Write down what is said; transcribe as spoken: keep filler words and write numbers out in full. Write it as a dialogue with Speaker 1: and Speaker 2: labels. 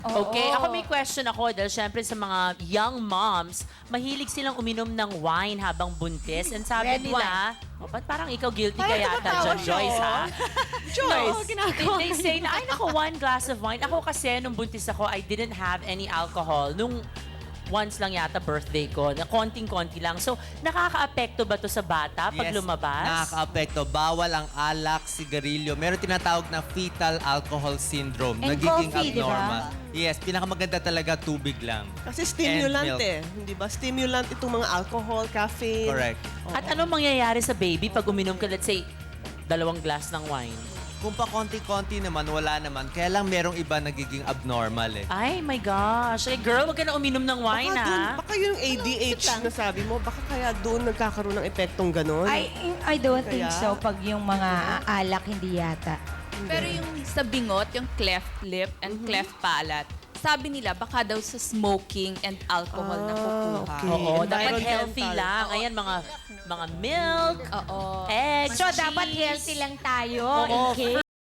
Speaker 1: Okay,
Speaker 2: Oo.
Speaker 1: ako may question ako dahil syempre sa mga young moms, mahilig silang uminom ng wine habang buntis. And sabi
Speaker 2: Red
Speaker 1: nila, oh, ba't parang ikaw guilty
Speaker 2: Parang
Speaker 1: ka yata
Speaker 2: tumatawa
Speaker 1: dyan,
Speaker 2: siya,
Speaker 1: Joyce,
Speaker 2: oh.
Speaker 1: ha?
Speaker 2: Joyce.
Speaker 1: No, they, they say na, ay naku, one glass of wine. Ako kasi, nung buntis ako, I didn't have any alcohol. Nung once lang yata birthday ko, na konting-konti lang. So, nakaka-apekto ba to sa bata pag lumabas?
Speaker 3: Nakaka-apekto. Bawal ang alak, sigarilyo. Meron tinatawag na fetal alcohol syndrome.
Speaker 4: And
Speaker 3: Nagiging
Speaker 4: coffee, di ba?
Speaker 3: abnormal. Yes, pinakamaganda talaga tubig lang.
Speaker 5: Kasi stimulant
Speaker 3: And milk.
Speaker 5: eh. Hindi ba? Stimulant itong mga alcohol, caffeine.
Speaker 3: Correct.
Speaker 1: At anong mangyayari sa baby pag uminom ka, let's say, dalawang glass ng wine?
Speaker 3: Kung pa konti-konti naman, wala naman. Kaya lang merong iba nagiging abnormal eh.
Speaker 1: Ay, my gosh. Eh, girl, wag ka na uminom ng wine,
Speaker 5: Baka, dun,
Speaker 1: ha?
Speaker 5: baka yung A D H na sabi mo, baka kaya doon nagkakaroon ng epektong ganon.
Speaker 4: I, I don't think
Speaker 5: Kaya?
Speaker 4: so pag yung mga alak hindi yata.
Speaker 2: Pero yung sa bingot, yung cleft lip and cleft palate, sabi nila baka daw sa smoking and alcohol na kukuha.
Speaker 5: okay.
Speaker 1: Oo, dapat
Speaker 5: Environmental.
Speaker 1: healthy lang. Ayan, mga mga milk,
Speaker 2: Oo.
Speaker 1: eggs,
Speaker 4: So,
Speaker 1: cheese.
Speaker 4: dapat healthy lang tayo
Speaker 1: Oo.
Speaker 4: in case.